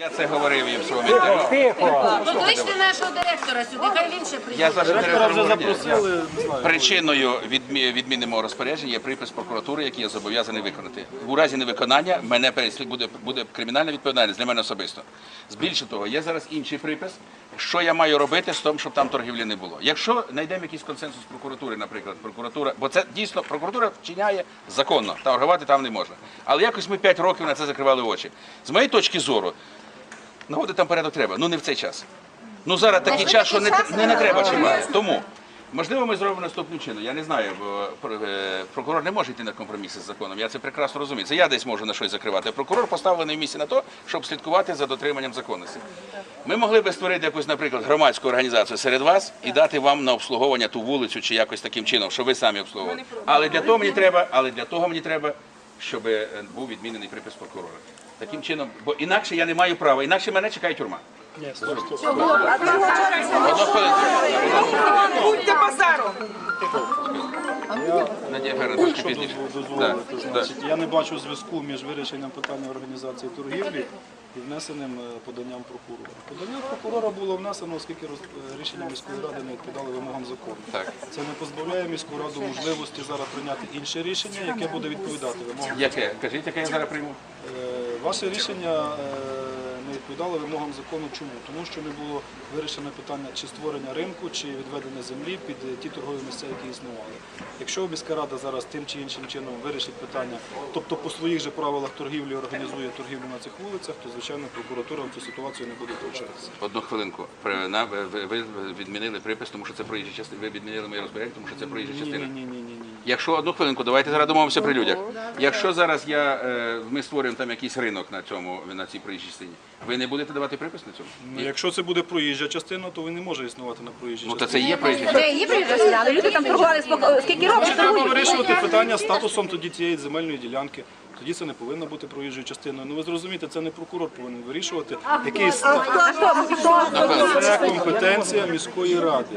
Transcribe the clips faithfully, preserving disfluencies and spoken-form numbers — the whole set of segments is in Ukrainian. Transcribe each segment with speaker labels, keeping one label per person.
Speaker 1: Я це говорив їм в своєму інтерв'ю.
Speaker 2: Покличте нашого директора сюди, хай він ще приїде.
Speaker 1: Я з вашим директором
Speaker 3: вже
Speaker 1: говорив.
Speaker 3: запросили, не знаю.
Speaker 1: Причиною відмі- відміни мого розпорядження є припис прокуратури, який я зобов'язаний виконати. У разі невиконання мене переслід- буде, буде кримінальна відповідальність для мене особисто. Більше того, є зараз інший припис, що я маю робити з тим, щоб там торгівлі не було. Якщо знайдемо якийсь консенсус прокуратури, наприклад, прокуратура, бо це дійсно прокуратура вчиняє законно, торгувати там не можна. Але якось ми п'ять років на це закривали очі. З моєї точки зору, наводити там порядок треба, ну не в цей час. Ну зараз такий час, що не, не, не треба чимає. Тому, можливо, ми зробимо наступним чином. Я не знаю, бо е, прокурор не може йти на компроміси з законом. Я це прекрасно розумію. Це я десь можу на щось закривати. Прокурор поставлений в місці на то, щоб слідкувати за дотриманням законності. Ми могли би створити якусь, наприклад, громадську організацію серед вас і дати вам на обслуговування ту вулицю чи якось таким чином, щоб ви самі обслуговували. Але для того мені треба, але для того мені треба, щоб е, був відмінений припис прокурора. Таким чином, бо інакше я не маю права, інакше мене чекає тюрма. Одну хвилинку.
Speaker 4: Будьте базаром!
Speaker 1: Надія Федоровна, трошки
Speaker 3: Що
Speaker 1: пізніше.
Speaker 3: дозволити,
Speaker 1: Да,
Speaker 3: значить, я не бачу зв'язку між вирішенням питання організації торгівлі і внесеним е, поданням прокурора. Подання прокурора було внесено, оскільки роз- е, рішення міської ради не відповідали вимогам закону.
Speaker 1: Так.
Speaker 3: Це не позбавляє міську раду можливості зараз прийняти інше рішення, яке буде відповідати вимогам.
Speaker 1: Яке? Кажіть, яке я зараз прийму?
Speaker 3: Е, Ваше рішення е, не відповідало вимогам закону. Чому? Тому що не було вирішено питання чи створення ринку, чи відведення землі під е, ті торгові місця, які існували. Якщо міська рада зараз тим чи іншим чином вирішить питання, тобто по своїх же правилах торгівлі організує торгівлю на цих вулицях, то звичайно прокуратура в цю ситуацію не буде втручатися.
Speaker 1: Одну хвилинку. При- на- Ви ви відмінили припис, тому що це проїжджа частина. Ви відмінили моє розпорядження, тому що це проїжджа
Speaker 3: Ні,
Speaker 1: частина.
Speaker 3: ні, ні, ні, ні.
Speaker 1: Якщо одну хвилинку, давайте зараз домовимося при людях. Якщо зараз я е, ми створюємо там якийсь ринок на цьому на цій проїжджій частині, ви не будете давати припис на цьому?
Speaker 3: Ну, якщо це буде проїжджа частина, то він не може існувати на проїжджій
Speaker 1: Ну то
Speaker 3: частині.
Speaker 1: це є проїжджа частина.
Speaker 5: Це її приїжджали, але люди там торгували споко- скільки років
Speaker 3: Треба
Speaker 5: торгують.
Speaker 3: вирішувати питання статусом тоді цієї земельної ділянки. Тоді це не повинно бути проїжджою частиною. Ну ви зрозумієте, це не прокурор повинен вирішувати. Який це компетенція міської ради.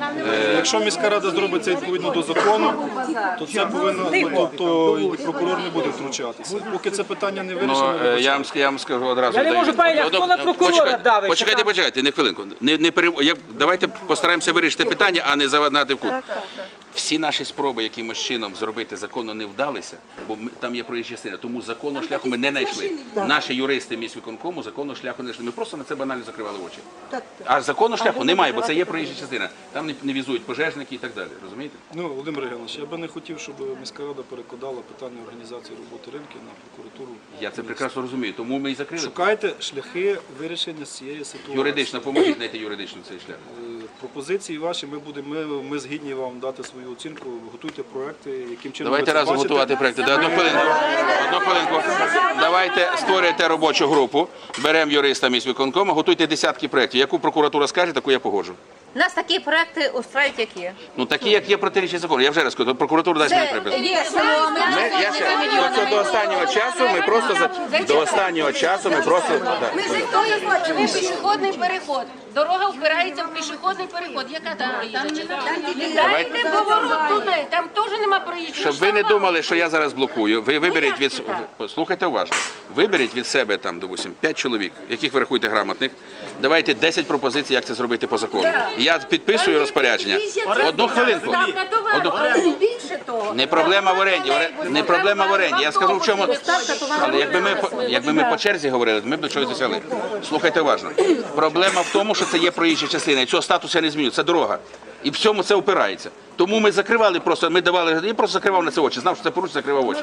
Speaker 3: Е, Якщо міська рада зробить це відповідно до закону, то це повинно, ну, тобто і прокурор не буде втручатися. Поки це питання не
Speaker 1: Ну,
Speaker 3: вирішено,
Speaker 1: е, я вам, ск- я вам скажу одразу.
Speaker 4: Я не
Speaker 1: даю.
Speaker 4: можу понять,
Speaker 1: Одну-
Speaker 4: хто на прокурора
Speaker 1: почекайте,
Speaker 4: давить,
Speaker 1: Почекайте,
Speaker 4: що там?
Speaker 1: почекайте, не хвилинку. Не, не пере... я... Давайте постараємося вирішити питання, а не завадати в кут. Всі наші спроби якимось чином зробити законно не вдалися, бо ми, там є проїжджа частина, тому законного шляху ми не знайшли. Наші юристи міськвиконкому законного шляху не знайшли. Ми просто на це банально закривали очі. А законного шляху немає, бо це є проїжджа частина. Там не, не візують пожежники і так далі. Розумієте?
Speaker 3: ну, Володимир Євгенович, я би не хотів, щоб міська рада перекладала питання організації роботи ринків на прокуратуру.
Speaker 1: Я це прекрасно розумію, тому ми і закрили.
Speaker 3: Шукайте шляхи вирішення цієї ситуації.
Speaker 1: Юридично, поможіть знайти юридично цей шлях.
Speaker 3: Е, Пропозиції ваші, ми будемо, ми, ми згідні вам дати свою оцінку, готуйте проекти, яким чином
Speaker 1: Давайте
Speaker 3: ви це
Speaker 1: разом
Speaker 3: бачите.
Speaker 1: готувати проекти. Да, одну хвилинку. Одну хвилинку. Давайте створюйте робочу групу, беремо юриста міськвиконкому, готуйте десятки проєктів. Яку прокуратура скаже, таку я погоджу.
Speaker 5: Нас такі проекти устрають які?
Speaker 1: Ну такі, як є протиріччя закону. Я вже раз кажу, прокуратура дасть мені припис.
Speaker 5: Є, що ми
Speaker 1: Ми, я ще, оце до останнього часу ми просто за до останнього часу ми просто да.
Speaker 2: Ми ж ви пішохідний переход. Дорога впирається в пішохідний переход. Яка там проїжджа частина? Дайте поворот туди, там теж нема проїжджої.
Speaker 1: Щоб ви не думали, що я зараз блокую. Ви виберіть від слухайте уважно. Виберіть від себе там, допустим, п'ять чоловік, яких ви рахуєте грамотних. Давайте десять пропозицій, як це зробити по закону. Я підписую розпорядження. Одну хвилинку. Одну хвилинку.
Speaker 2: Більше того.
Speaker 1: Не проблема в оренді, оре- не проблема в оренді. Я скажу в чому. Але якби ми по- якби ми по черзі говорили, ми б до чогось досягли. Слухайте уважно. Проблема в тому, що це є проїжджа частина, і цього статусу я не зміню. Це дорога. І в цьому це опирається. Тому ми закривали просто, ми давали, я просто закривав на це очі. Знав, що це порушення, закривав очі.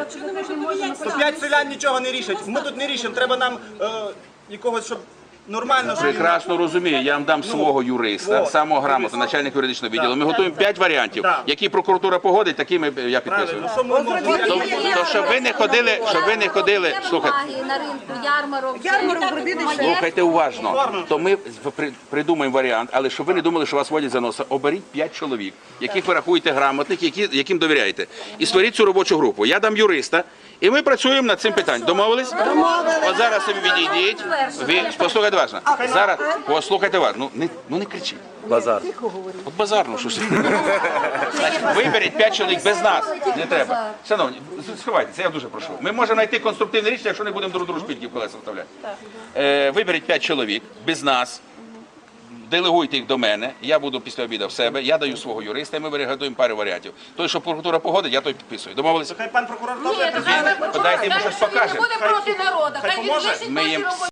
Speaker 6: То п'ять селян нічого не рішать. Ми тут не рішимо. Треба нам е, якогось, щоб нормально. Щоб...
Speaker 1: Прекрасно розумію, я вам дам свого юриста,
Speaker 6: вот.
Speaker 1: самого грамотного, начальника юридичного відділу. Ми готуємо п'ять варіантів.
Speaker 6: Да.
Speaker 1: Які прокуратура погодить, такі ми, я підписую.
Speaker 6: Ну, що ми можемо?
Speaker 1: То, то щоб ви не ходили, щоб ви не ходили, слухайте.
Speaker 2: На ринку, ярмарок.
Speaker 4: Ярмарок робити ще.
Speaker 1: Слухайте уважно. То ми при- придумаємо варіант, але щоб ви не думали, що вас водять за носа, оберіть п'ять чоловік, яких ви рахуєте грамотних, які, яким довіряєте. І створіть цю робочу групу. Я дам юриста, і ми працюємо над цим питанням. Домовились? Домовились. От зараз ви відійдіть. Ви, послухайте послухайте уважно. Зараз, послухайте уважно. Ну не, ну не кричіть.
Speaker 7: Базар.
Speaker 1: От базар, ну що ж. Значить, виберіть п'ять чоловік без нас. Не треба. Шановні, сховайтеся, я дуже прошу. Ми можемо знайти конструктивне рішення, якщо не будемо друг другу шпильки в колеса вставляти. Е, виберіть п'ять чоловік без нас. Делегуйте їх до мене, я буду після обіду в себе, я даю свого юриста, і ми вигадуємо пару варіантів. Той, що прокуратура погодить, я той підписую. Домовилися?
Speaker 6: Хай пан прокурор
Speaker 2: Ні,
Speaker 6: теж
Speaker 2: то хай ви
Speaker 1: Подайте йому
Speaker 2: скаже,
Speaker 1: щось
Speaker 2: що він не
Speaker 1: покаже.
Speaker 2: буде проти народу. Хай він
Speaker 6: поможе.
Speaker 2: вирішить
Speaker 1: Ми
Speaker 2: наші
Speaker 1: їм
Speaker 2: робочі